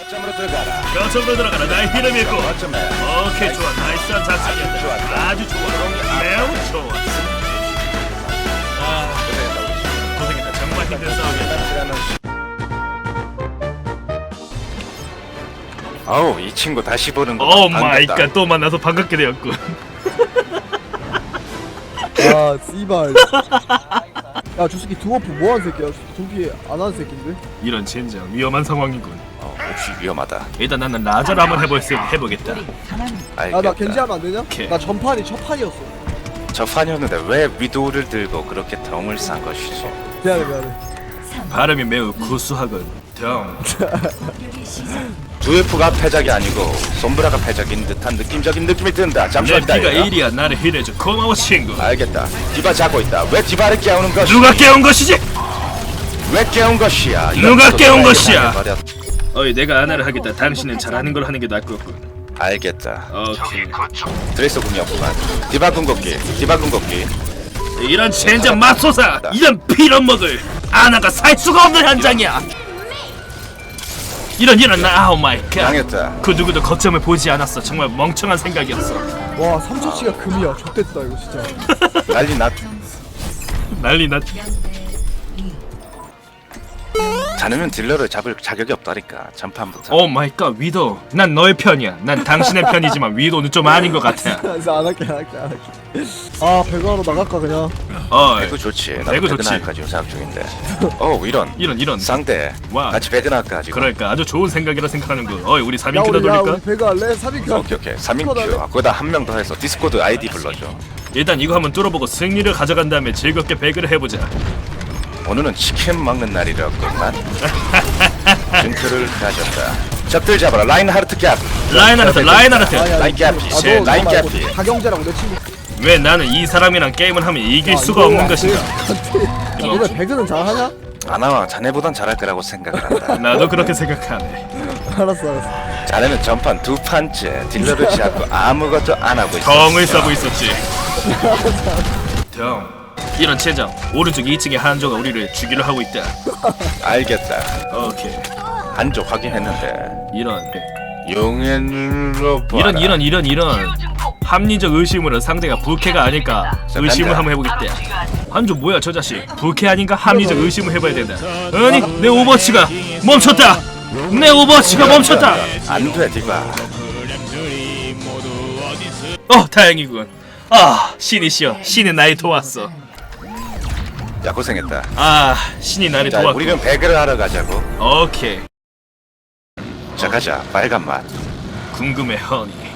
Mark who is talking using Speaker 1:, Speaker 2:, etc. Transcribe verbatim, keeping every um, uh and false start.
Speaker 1: 거점으로 들어가라.
Speaker 2: 거점으로 들어가라. 나의 이름이 있고.
Speaker 1: 거점에.
Speaker 2: 오케이 좋아. 나이스한 작전이었다. 아주 좋아. 매우 좋아. 아 고생했다. 정말 힘든 싸움이었다.
Speaker 1: 아우 이 친구 다시 보는 거.
Speaker 2: 오 마이 갓, 또 만나서 반갑게 되었군.
Speaker 3: 아 씨발. 야 저 새끼 드워프 뭐하는 새끼야? 저기 안 하는 새끼인데?
Speaker 2: 이런 젠장 위험한 상황이군.
Speaker 1: 어, 혹시 위험하다.
Speaker 2: 일단 나는 라자를 한번 해볼 수 해보겠다.
Speaker 1: 알겠다.
Speaker 3: 야나 겐지 하면 안 되냐?
Speaker 2: 오케이.
Speaker 3: 나 전판이 첫 판이었어.
Speaker 1: 저 판이었는데 왜 위도우를 들고 그렇게 덩을 싼 것이지?
Speaker 3: 미안해 미안해.
Speaker 2: 발음이 매우 구수하군. 덩.
Speaker 1: 두에프가 패작이 아니고 솜브라가 패작인 듯한 느낌적인 느낌이 든다.
Speaker 2: 내
Speaker 1: 잠시만
Speaker 2: 피가
Speaker 1: 기다려.
Speaker 2: 일이야. 나를 힐해줘. 고마워 친구.
Speaker 1: 알겠다. 디바 자고 있다. 왜 디바를 깨우는 것이?
Speaker 2: 누가 깨운 것이지?
Speaker 1: 왜 깨운 것이야?
Speaker 2: 누가
Speaker 1: 이것도
Speaker 2: 깨운
Speaker 1: 내가
Speaker 2: 것이야?
Speaker 1: 말해버렸-
Speaker 2: 어이 내가 아나를 하겠다. 당신은 잘하는 걸 하는 게 나을 것 같군.
Speaker 1: 알겠다.
Speaker 2: 오케이.
Speaker 1: 드레스 궁이었구만. 디바 궁극기. 디바 궁극기.
Speaker 2: 이런 젠장 맙소사. 이런 빌어먹을 아나가 살 수가 없는 현장이야. 이런 이런 나 아우 마이 갓.
Speaker 1: 당했다.
Speaker 2: 그 누구도 거점을 보지 않았어. 정말 멍청한 생각이었어.
Speaker 3: 와 삼초치가 금이야. 좆됐다 이거 진짜.
Speaker 1: 난리 났.
Speaker 2: 난리 났.
Speaker 1: 자네는 딜러를 잡을 자격이 없다니까. 전판부터.
Speaker 2: 오 마이 갓 위도. 난 너의 편이야. 난 당신의 편이지만 위도는 좀 아닌 것 같아.
Speaker 3: 그래서 안 할게 안 할게 안 할게. 아 배그하러 나갈까 그냥.
Speaker 2: 어이
Speaker 1: 배그 좋지. 나도
Speaker 2: 배그
Speaker 1: 배그
Speaker 2: 좋지.
Speaker 1: 나갈까 지금 생각 중인데. 어 이런.
Speaker 2: 이런 이런.
Speaker 1: 쌍대.
Speaker 2: 와.
Speaker 1: 같이 배그 나갈까 지금.
Speaker 2: 그러니까 아주 좋은 생각이라 생각하는군. 어이 우리 삼
Speaker 3: 야
Speaker 2: 인큐다
Speaker 3: 우리 야
Speaker 2: 돌릴까?
Speaker 3: 우리 배그 할래? 삼 인큐.
Speaker 1: 오케이 오케이. 삼 인큐. 아, 거기다 한 명 더 해서 디스코드 아이디 불러줘.
Speaker 2: 일단 이거 한번 뚫어보고 승리를 가져간 다음에 즐겁게 배그를 해보자.
Speaker 1: 오늘은 치킨 먹는 날이라구만. 징크를 가졌다. 적들 잡아라. 라인하르트 갭.
Speaker 2: 라인하르트 라인하르트.
Speaker 3: 아니야,
Speaker 1: 라인
Speaker 3: 이거-
Speaker 1: 갭이.
Speaker 3: 아,
Speaker 1: 제
Speaker 3: 너,
Speaker 1: 라인
Speaker 3: 너 말고
Speaker 1: 갭이.
Speaker 3: 박영재랑 내 친구.
Speaker 2: 왜 나는 이 사람이랑 게임을 하면 이길
Speaker 3: 야,
Speaker 2: 수가
Speaker 3: 이거
Speaker 2: 없는
Speaker 3: 안
Speaker 2: 것인가?
Speaker 3: 돼. 야, 너네 배그는 잘하냐?
Speaker 1: 아나와 자네보단 잘할 거라고 생각을 한다.
Speaker 2: 나도 그렇게 생각하네.
Speaker 3: 알았어 알았어.
Speaker 1: 자네는 전판 두 판째 딜러를 잡고 아무것도 안 하고 있어.
Speaker 2: 덩을 싸고 있었지. 덩. 이런 체장. 오른쪽 이 층에 한조가 우리를 주기로 하고 있다.
Speaker 1: 알겠다.
Speaker 2: 오케이.
Speaker 1: 한조 확인했는데
Speaker 2: 이런
Speaker 1: 용의 눈으로 봐라.
Speaker 2: 이런 이런 이런 이런 합리적 의심으로 상대가 부캐가 아닐까 의심을 한번 해보겠다. 한조 뭐야 저 자식. 부캐 아닌가 합리적 의심을 해봐야 된다. 아니 내 오버워치가 멈췄다. 내 오버워치가 멈췄다.
Speaker 1: 안돼 디바.
Speaker 2: 어 다행이군. 아 신이시여 신이 나를 도왔어.
Speaker 1: 야 고생했다.
Speaker 2: 아 신이 나를
Speaker 1: 자
Speaker 2: 도왔고.
Speaker 1: 우리는 배그를 하러 가자고.
Speaker 2: 오케이.
Speaker 1: 자 가자. 빨간 맛.
Speaker 2: 궁금해 허니.